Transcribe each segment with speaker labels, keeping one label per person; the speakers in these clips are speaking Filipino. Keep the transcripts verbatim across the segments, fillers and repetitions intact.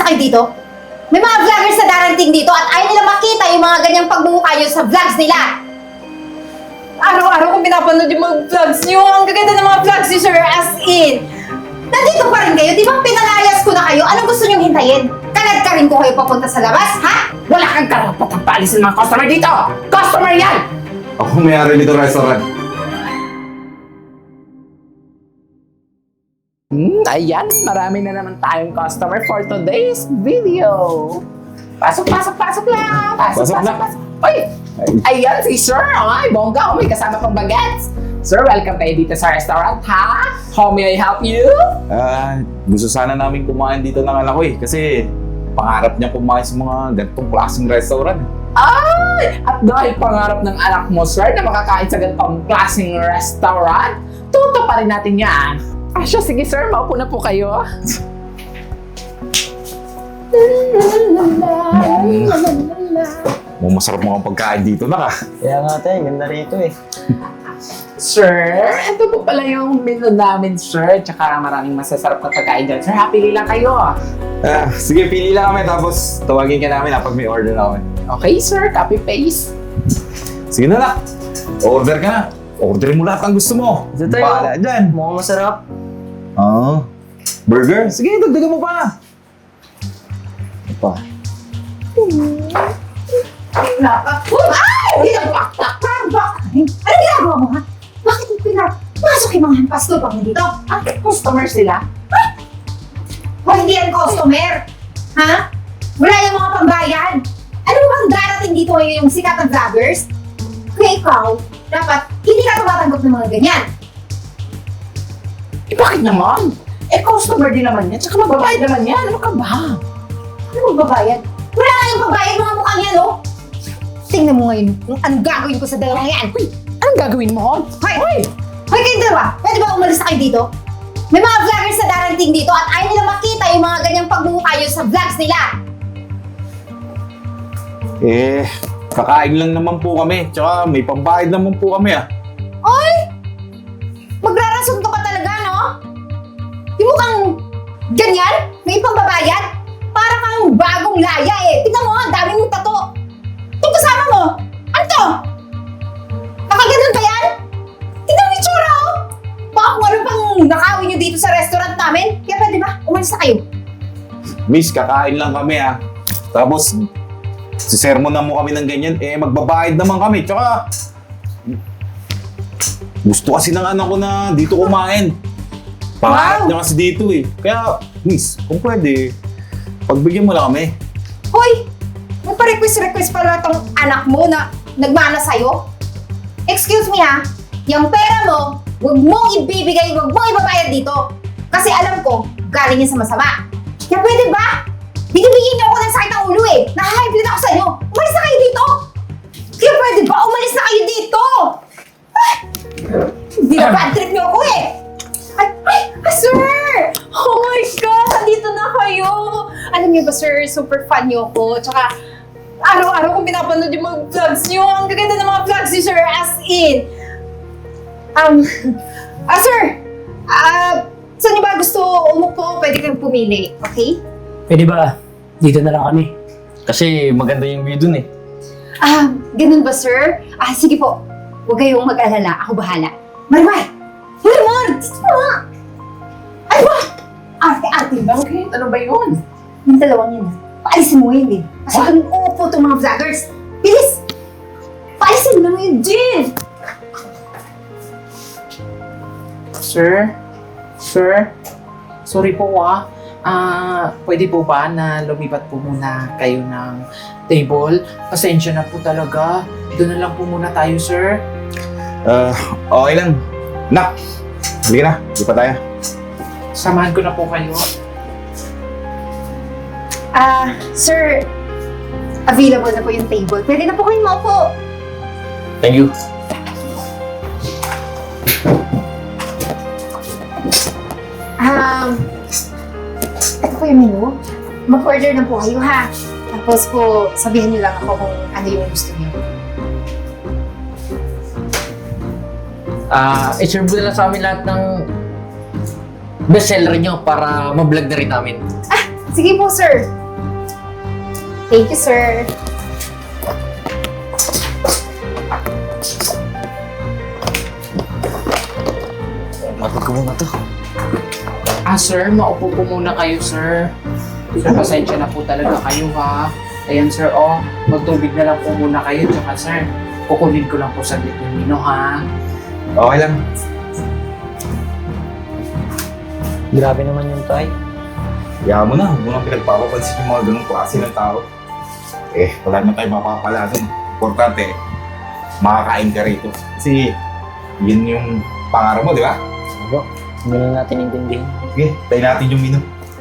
Speaker 1: kayo dito? May mga vloggers na darating dito at ayaw nila makita yung mga ganyang pagmumukha nyo sa vlogs nila. Araw-araw kong pinapanood yung mga vlogs nyo. Ang gaganda ng mga vlogs nyo, sir, as in. Nandito pa rin kayo, di ba pinalayas ko na kayo? Anong gusto nyong hintayin? Kalad ka rin ko kayo papunta sa labas, ha?
Speaker 2: Wala kang karapatang paalisin mga customer dito! Customer yan!
Speaker 3: Ako may-ari nito restaurant.
Speaker 2: Hmm, ayan, marami na naman tayong customer for today's video. Pasok, pasok, pasok lang! Pasok,
Speaker 3: Pasok
Speaker 2: pasok,
Speaker 3: na.
Speaker 2: pasok! Uy! Ayan si Sir! Ay, bongga! Oh, may kasama pang bagets! Sir, welcome kayo dito sa restaurant, ha? How may I help you?
Speaker 3: Ah, gusto sana namin kumain dito ng anak ko eh. Kasi pangarap niya kumain sa mga ganitong klaseng restaurant.
Speaker 2: Ay! At dahil pangarap ng anak mo, sir, na makakain sa ganitong klaseng restaurant, tuto pa rin natin yan. Ah, siya, sige sir, maupo na po kayo.
Speaker 3: Mukhang masarap mga pagkain dito na ka.
Speaker 4: Kaya nga tayo, ganda rito eh.
Speaker 2: Sir, ito po pala yung menu namin, sir. Tsaka maraming masasarap na pagkain dyan. Sir, happy lang kayo.
Speaker 3: Ah, sige, pili lang kami tapos tawagin ka namin kapag may order na kami.
Speaker 2: Okay, sir. Copy paste.
Speaker 3: Sige na lang. Order ka na. Order mo lahat ang gusto mo.
Speaker 4: Ito tayo.
Speaker 3: Bahala dyan.
Speaker 4: Mukhang masarap.
Speaker 3: Oo. Burger? Sige, dagdagan mo pa.
Speaker 4: Ito pa.
Speaker 1: Ay! Hindi na baktak! Bakit? Ano ginagawa mo, ha? Bakit mo pinapasok yung mga hampas to pang dito?
Speaker 2: Ah, customer sila?
Speaker 1: O hindi yan customer? Ha? Wala yung mga pambayan. Ano bang darating dito ngayon yung sikat na vloggers? Kaya ikaw, dapat hindi ka tumatanggap ng mga ganyan.
Speaker 2: Eh, bakit naman? Eh, customer din naman yan. Tsaka mababayad naman yan. Ano ka ba?
Speaker 1: Ano magbabayad? Wala nga yung pambayad mga mukhang yan, oh! Tingnan mo ngayon kung anong gagawin ko sa dalawang yan.
Speaker 2: Uy, anong gagawin mo?
Speaker 1: Hoy! Hoy! Hoy kayong dalawa! Pwede ba umalis na kayo dito? May mga vloggers na darating dito at ayaw nila makita yung mga ganyang pagmumukha nyo sa vlogs nila.
Speaker 3: Eh, kakain lang naman po kami. Tsaka may pambayad naman po kami ah.
Speaker 1: Oy! Magrarasunto ka talaga, no? Yung mukhang ganyan? May pambabayad? Para kang bagong laya eh. Tingnan mo, ang dami mong tato. Itong kasama mo, ano to? Nakaganon ba yan? Tingnan mo yung tsura, oh! Baka kung ano pang nakawin nyo dito sa restaurant namin. Kaya pwede ba? Umalis na kayo.
Speaker 3: Miss, kakain lang kami ah. Tapos, sisermonan mo kami ng ganyan, eh magbabayad naman kami. Tsaka, gusto kasi ng anak ko na dito kumain. Pangarap
Speaker 1: Wow!
Speaker 3: niya kasi dito eh. Kaya, miss, kung pwede, pagbigyan mo lang kami.
Speaker 1: Hoy! Magpa-request-request pala tong anak mo na nagmana sa'yo? Excuse me ha, yung pera mo, huwag mong ibibigay, huwag mong ibabayad dito. Kasi alam ko, galing yan sa masama. Kaya pwede ba? Binibigyan niyo ako ng sakit ng ulo eh. Naha-high blood ako sa inyo. Umalis na kayo dito! Kaya pwede ba? Umalis na kayo dito! Ay! Hindi na bad trip niyo ako eh! Ay, ay, ah, sir! Oh my God! Nandito na kayo! Alam niyo ba, sir, super fan niyo ako. Tsaka, araw-araw kong pinapanood yung mga vlogs niyo. Ang gaganda ng mga vlogs niyo, sir, as in. Um, ah, sir! Ah, saan niyo ba gusto umupo? Pwede kang pumili, okay?
Speaker 4: Pwede ba? Dito na lang kami. Kasi maganda yung view dun eh.
Speaker 1: Ah, ganun ba, sir? Ah, sige po. Huwag kayong mag-alala. Ako bahala. Marimar! Marimar! Dito na! Ay ba? Arte-arte ba?
Speaker 2: Okay, ano ba yun?
Speaker 1: Yung dalawang yun, ah. Paalisin mo yun, eh. Kasi kung uupo itong mga vloggers. Bilis! Paalisin mo na yun, Jill!
Speaker 2: Sir? Sir? Sorry po ah. Ah, pwede po ba na lumipat po muna kayo ng table? Pasensya na po talaga. Doon na lang po muna tayo, sir.
Speaker 3: Ah, okay lang. Nak, halika na. Di pa tayo.
Speaker 2: Samahan ko na po kayo.
Speaker 1: Ah, sir, available na po yung table. Pwede na po kayong maupo.
Speaker 4: Thank you.
Speaker 1: Um, ito po yung menu. Mag-order na po kayo, ha? Tapos po, sabihin niyo lang ako kung ano yung gusto niyo.
Speaker 4: Ah, i-serve mo na lang sa amin lahat ng bestseller nyo para ma-vlog na rin namin.
Speaker 1: Sige po, sir. Thank you, sir.
Speaker 4: Matag ko muna to.
Speaker 2: Ah, sir, maupo po muna kayo, sir. Sir, pasensya na po talaga kayo, ha? Ayan, sir, oh. Magtubig na lang po muna kayo. Tsaka, sir, kukunin ko lang po saglit yung mino, ha?
Speaker 3: Okay lang.
Speaker 4: Grabe naman yung tay.
Speaker 3: Kaya mo na, huwag mo nang pinagpapapansin yung mga ganong klase ng tao. Eh, wala naman tayo mapapala dun. Importante, makakain ka rito. Kasi, yun yung pangarap mo, di ba?
Speaker 4: Bro, hindi na natin intindihin.
Speaker 3: Sige, tayo natin yung menu.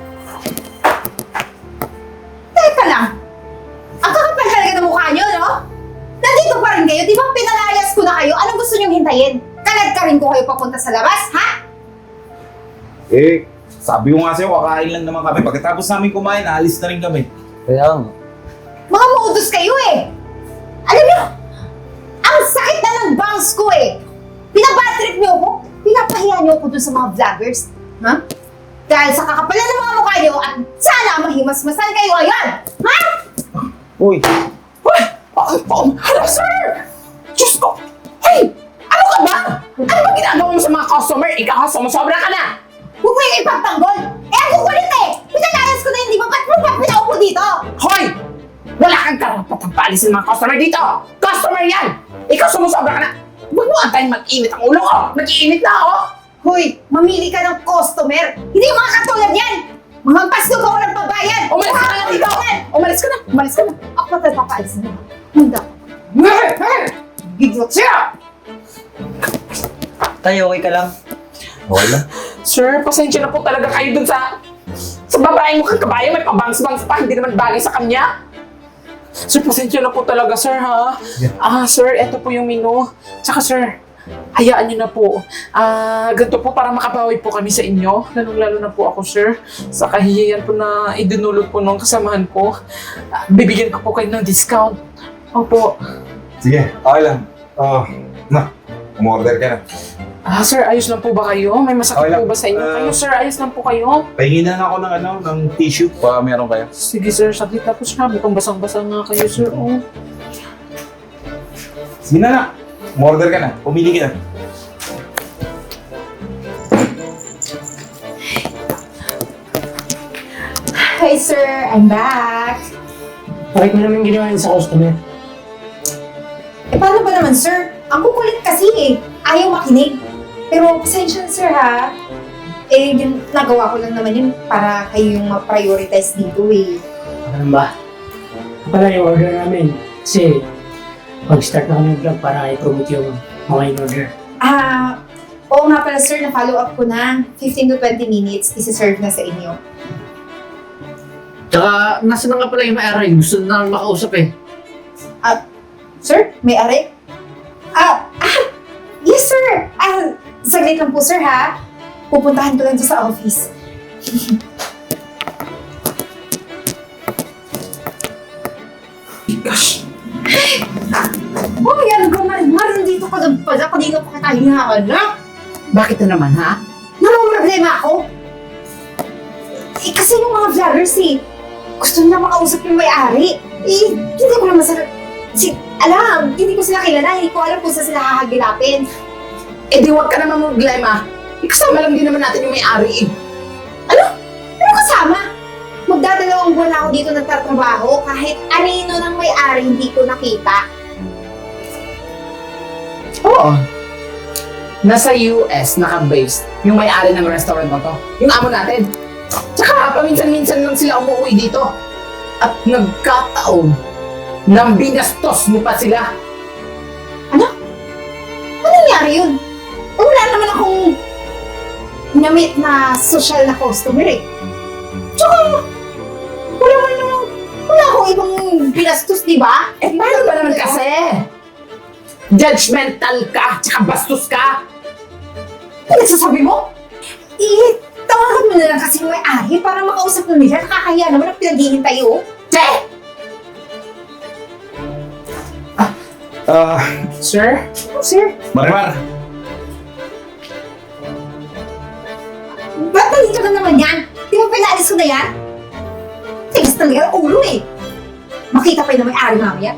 Speaker 1: Teka lang. Ang kakapal talaga ng mukha niyo, no? Nandito pa rin kayo. Di ba pinalayas ko na kayo? Anong gusto niyong hintayin? Kalad ka rin ko kayo papunta sa labas, ha?
Speaker 3: Eh, sabi ko nga sa'yo, kakain lang naman kami. Pagkatapos namin kumain, aalis na rin kami.
Speaker 4: Kaya nga.
Speaker 1: Mga modus kayo eh. Alam niyo, ang sakit na ng bangs ko eh. Pinabatrip niyo ako. Pinapahiya niyo ako dun sa mga vloggers. Ha? Dahil sa kakapalan ng mga mukha niyo at sana mahimasmasan kayo ngayon. Ha?
Speaker 3: Uy,
Speaker 2: Uy! Ay, oh, hala, sir! Diyos ko! Hey! Ano ka ba? Ano ba ginagawa mo sa mga customer? Ikaw, sumusobra ka na!
Speaker 1: Huwag mo yung ipagtanggol. Eh, ang kukulit eh. Pinalayas ko na yun, di ba? Ba't mo ba pinaupo dito?
Speaker 2: Hoy! Wala kang karapatang paalisin mga customer dito! Customer yan! Ikaw, sumusobra ka na! Huwag mo antayin mag-init ang ulo ko! Nag-iinit na ako!
Speaker 1: Hoy, mamili ka ng customer. Hindi yung mga katulad yan. Mga pasnog ako ng pabayan.
Speaker 2: Umalis ka na dito! Umalis ka na! Umalis ka na!
Speaker 1: Ako pa tayo papaalisin mo. Hunda.
Speaker 2: Hey! Hey! Gigot siya!
Speaker 4: Tay, okay ka lang?
Speaker 3: okay lang.
Speaker 2: Sir, pasensya na po talaga kayo dun sa... Sa babaeng mukhang kabayo, may pabangs-bangs pa, hindi naman bagay sa kanya. Sir, pasensya na po talaga, sir, ha?
Speaker 3: Yeah.
Speaker 2: Ah, sir, eto po yung menu. Tsaka, sir, hayaan niyo na po. Ah, ganito po para makabawi po kami sa inyo. Lalong-lalo na po ako, sir. Sa kahihiyan po na idinulot po nung kasamahan ko. Ah, bibigyan ko po kayo ng discount. Opo.
Speaker 3: Sige, okay lang. Ah, na, umorder ka na.
Speaker 2: Ah, sir, ayos lang po ba kayo? May masakit
Speaker 3: Okay lang.
Speaker 2: po ba sa inyo?
Speaker 3: Ah.
Speaker 2: kayo, sir, ayos lang po kayo?
Speaker 3: Pahingin na ako ng ano, ng tissue pa meron kayo.
Speaker 2: Sige, sir, saglit na po siya. Mukhang basang-basa nga kayo, sir. Oh.
Speaker 3: Sige na na, umorder ka na. Pumili ka na.
Speaker 1: Hi, sir. I'm back.
Speaker 4: Bakit mo naman ginawa yun sa customer?
Speaker 1: Eh, paano ba naman, sir? Ang kukulit kasi eh. Ayaw makinig. Pero, pasensya na, sir, ha? Eh, yun, nagawa ko lang naman yun para kayo yung ma-prioritize dito, eh.
Speaker 5: Ano ba? Ito pala yung order namin. Kasi mag-start na kami ng vlog para i-promote yung mga in-order.
Speaker 1: Ah, oo nga pala, sir. Na-follow up ko na. fifteen to twenty minutes, isi-serve na sa inyo.
Speaker 4: Tsaka, nasa na nga pala yung may-ari. Gusto na namin makausap eh.
Speaker 1: Sir, may ari? Ah, ah, yes, sir. Ah, saglit lang po, sir, ha? Pupuntahan ko lang doon sa office.
Speaker 2: Gosh!
Speaker 1: Oh, yan, Mar, nandito ka doon pala. Kanina pa kita hinahanap.
Speaker 2: Bakit na naman, ha?
Speaker 1: Namang problema ako. Eh, kasi yung mga vloggers, eh, gusto nila makausap yung may-ari. Eh, hindi ko naman sa... Si, alam, hindi ko sila kilala. Hindi ko alam kung saan sila hahagilapin.
Speaker 2: Eh di huwag ka naman problema. Ikasama lang din naman natin yung may-ari eh.
Speaker 1: Ano? Ano kasama? Magdadalawang buwan ako dito nagtatrabaho kahit anino ng may-ari hindi ko nakita.
Speaker 2: Oo. Nasa U S naka-based yung may-ari ng restaurant na to. Yung amo natin. Tsaka paminsan-minsan lang sila umuwi dito. At nagkataon nang binastos mo pa sila.
Speaker 1: Ano nangyari yun? Eh, wala naman akong namit na social na customer eh. Tsaka, wala man naman, wala akong ibang binastos, di ba?
Speaker 2: Eh paano ba naman kasi? Judgmental ka, tsaka bastos ka.
Speaker 1: Ano nagsasabi mo? Eh, tawagan mo na lang kasi yung may-ari para makausap na nila. Nakakahiya naman ang pinaghihintay, oh.
Speaker 2: Che!
Speaker 3: Ah,
Speaker 2: Sir?
Speaker 1: Oh, sir,
Speaker 3: Marimar,
Speaker 1: ba't nandito na naman yan? Di ba pinaalis ko na yan? Tigas talaga ang ulo eh. Makita pa yun na may-ari mamaya.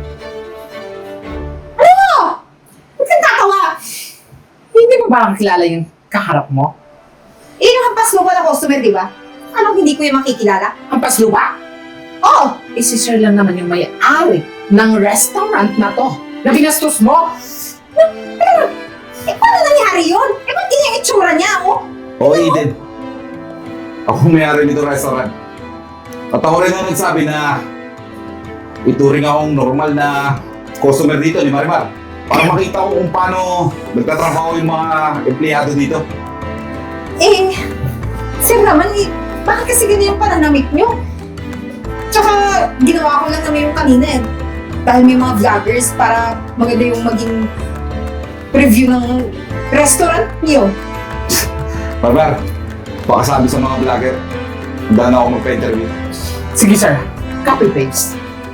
Speaker 1: Ano mo? Ba't kang tatawa?
Speaker 2: Hindi mo ba kilala yung kaharap mo?
Speaker 1: Eh, yung hampas lupa na customer, di ba? Anong hindi ko yung makikilala?
Speaker 2: Ang pasluba?
Speaker 1: Oo!
Speaker 2: Eh, si sir lang naman yung may-ari ng restaurant na to. Na binastos mo?
Speaker 1: Eh, paano nangyari yun? Eh, ba't ganyan yung itsura niya, oh?
Speaker 3: Oo, Eden. Ako may-ari nito restaurant. At ako rin ang nagsabi na ituring akong normal na customer dito ni Marimar. Para makita ko kung paano nagtatrabaho yung mga empleyado dito.
Speaker 1: Eh, sir naman, eh, bakit kasi ganyan yung pananamit niyo? Tsaka, ginawa ko lang naman yung kanina eh. Dahil may mga vloggers para maganda yung maging review ng restaurant niyo.
Speaker 3: Marimar, baka sabi sa mga vlogger, handa na ako magpa-interview.
Speaker 2: Sige sir, copy-paste.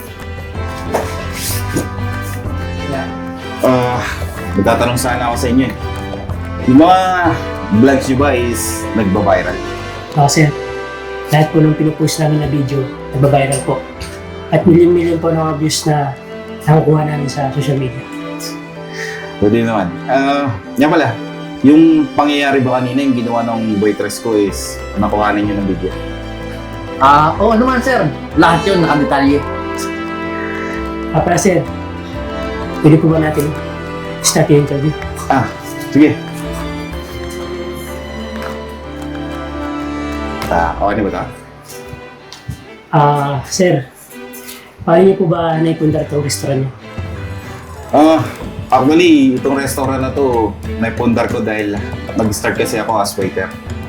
Speaker 3: Ah, magtatanong sana ako sa inyo eh. Yung mga vlogs nyo ba is nagba-viral?
Speaker 5: Oo, sir. Lahat po ng pinupost namin na video, nagbabiral po. At million-million po ng views na nakukuha namin sa social media.
Speaker 3: Pwede naman. Ah, yan pala. Yung pangyayari ba kanina, yung ginawa ng waitress ko is nakuhanan nyo ng video.
Speaker 4: Ah, oo naman sir. Lahat yun nakadetalye.
Speaker 5: Ah, pala, sir. Pwede po ba natin start yung interview?
Speaker 3: Ah, sige. Ah, okay na ba ito?
Speaker 5: Ah, sir. Paano niyo po ba naipundar itong restaurant niyo?
Speaker 3: Ah, actually, itong restaurant na to, naipundar ko dahil nag-start kasi ako as waiter.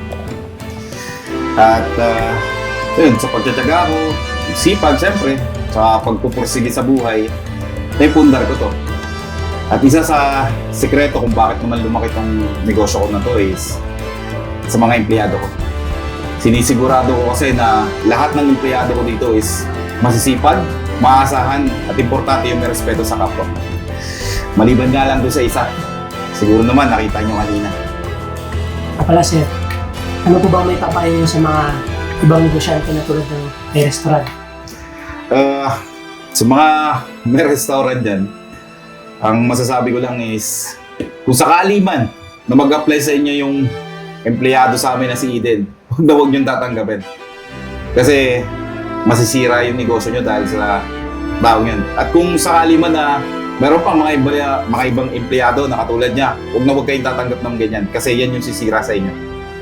Speaker 3: At, uh, yun, sa pagtsatsaga ko, sipag, syempre, sa pagpupursige sa buhay, naipundar ko to. At isa sa sekreto kung bakit naman lumaki tong negosyo ko na to is sa mga empleyado ko. Sinisigurado ko kasi na lahat ng empleyado ko dito is masisipag, maasahan, at importante yung may respeto sa kapwa. Maliban nga lang doon sa isa. Siguro naman nakita nyo kanina.
Speaker 5: Ah, pala, sir. Ano po ba may papayo niyo sa mga ibang negosyante na tulad ng may restaurant?
Speaker 3: Uh, sa mga may restaurant dyan, ang masasabi ko lang is kung sakali man na mag-apply sa inyo yung empleyado sa amin na si Eden, huwag na huwag niyong tatanggapin. Kasi masisira yung negosyo nyo dahil sa taong yun. At kung sakali man na meron pang mga, iba, mga ibang empleyado na katulad niya, huwag na huwag kayong tatanggap ng ganyan kasi yan yung sisira sa inyo.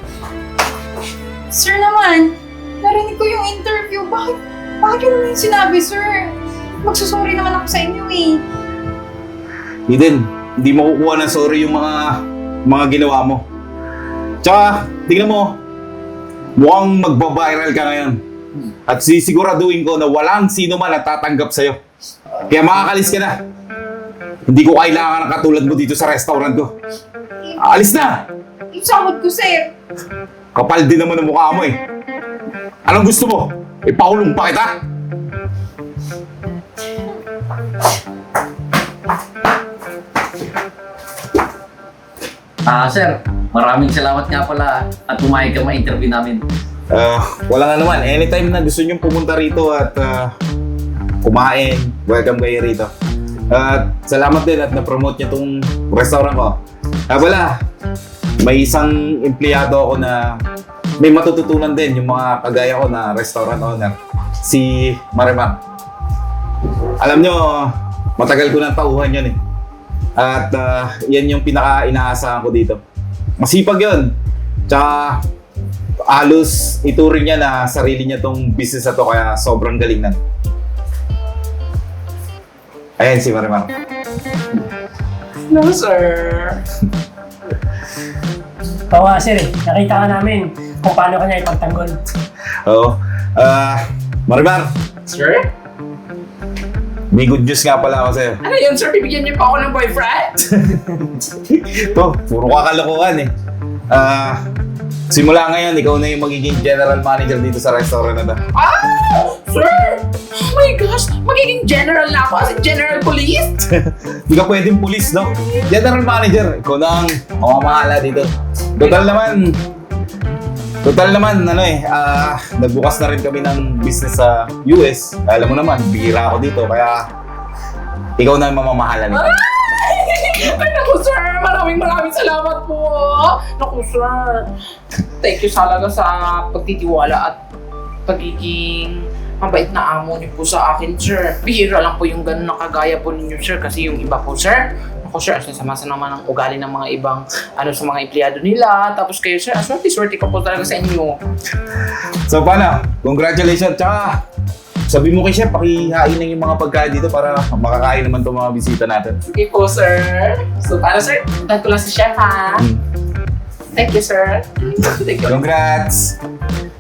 Speaker 1: Sir naman, narinig ko yung interview. Bakit, bakit yun naman yung sinabi, sir? Magsusorry naman ako sa inyo eh.
Speaker 3: Eden, hindi mo kukuha ng sorry yung mga mga ginawa mo. Tsaka, tingnan mo, mukhang magbabiral ka ngayon. At sisiguraduhin ko na walang sino man at tatanggap sa'yo. Kaya makakalis ka na. Hindi ko kailangan ng katulad mo dito sa restaurant ko. Alis na!
Speaker 1: Isangod ko, sir.
Speaker 3: Kapal din naman ang mukha mo eh. Anong gusto mo? Ipakulong pa kita?
Speaker 4: Ah, sir. Maraming salamat nga pala at pumayag ka ma-interview namin.
Speaker 3: Uh, wala nga naman. Anytime na gusto nyong pumunta rito at uh, kumain, welcome kayo rito. At salamat din at na-promote niyo itong restaurant ko. Ah, wala. May isang empleyado ako na may matututunan din yung mga kagaya ko na restaurant owner. Si Marimar. Alam nyo, matagal ko nang tauhan yun eh. At uh, yan yung pinaka-inaasahan ko dito. Masipag yun. Tsaka halos ituring niya na sarili niya tong business na to kaya sobrang galing na. Ayan si Marimar.
Speaker 2: No sir.
Speaker 5: Oo nga, sir. Eh. Nakita ka namin kung paano ka niya ipagtanggol.
Speaker 3: Oo. Ah, Marimar,
Speaker 2: Sir?
Speaker 3: may good news nga pala ako sa'yo.
Speaker 2: Ano yun sir? Bibigyan niyo pa ako ng boyfriend?
Speaker 3: Ito, puro kakalokohan eh. Ah, simula ngayon, ikaw na yung magiging general manager dito sa restaurant na to.
Speaker 2: Ah! Sir! Oh my gosh! Magiging general na ako as in general police?
Speaker 3: Hindi ka pwedeng pulis, no? General manager, ikaw na ang mamamahala dito. Total naman, Total naman, ano eh, ah, nagbukas na rin kami ng business sa U S. Alam mo naman, bihira ako dito, kaya ikaw na ang mamamahala nito.
Speaker 2: Ay, naku sir! Maraming maraming salamat po! Naku sir! Thank you talaga sa pagtitiwala at pagiging mabait na amo niyo po sa akin, sir. Bihira lang po yung ganun na kagaya po ninyo, sir. Kasi yung iba po, sir, ako, sir, asasama naman ang ugali ng mga ibang ano sa mga empleyado nila. Tapos kayo, sir, aswerte-swerte ka po talaga sa inyo.
Speaker 3: So paano? Congratulations! Tsaka, sabi mo kay Chef, pakihain na yung mga pagkain dito para makakain naman itong mga bisita natin.
Speaker 2: Sige po, sir. So, paano, sir? Puntahan ko lang si chef, ha?
Speaker 3: Mm.
Speaker 2: Thank you, sir. Thank you.
Speaker 3: Congrats!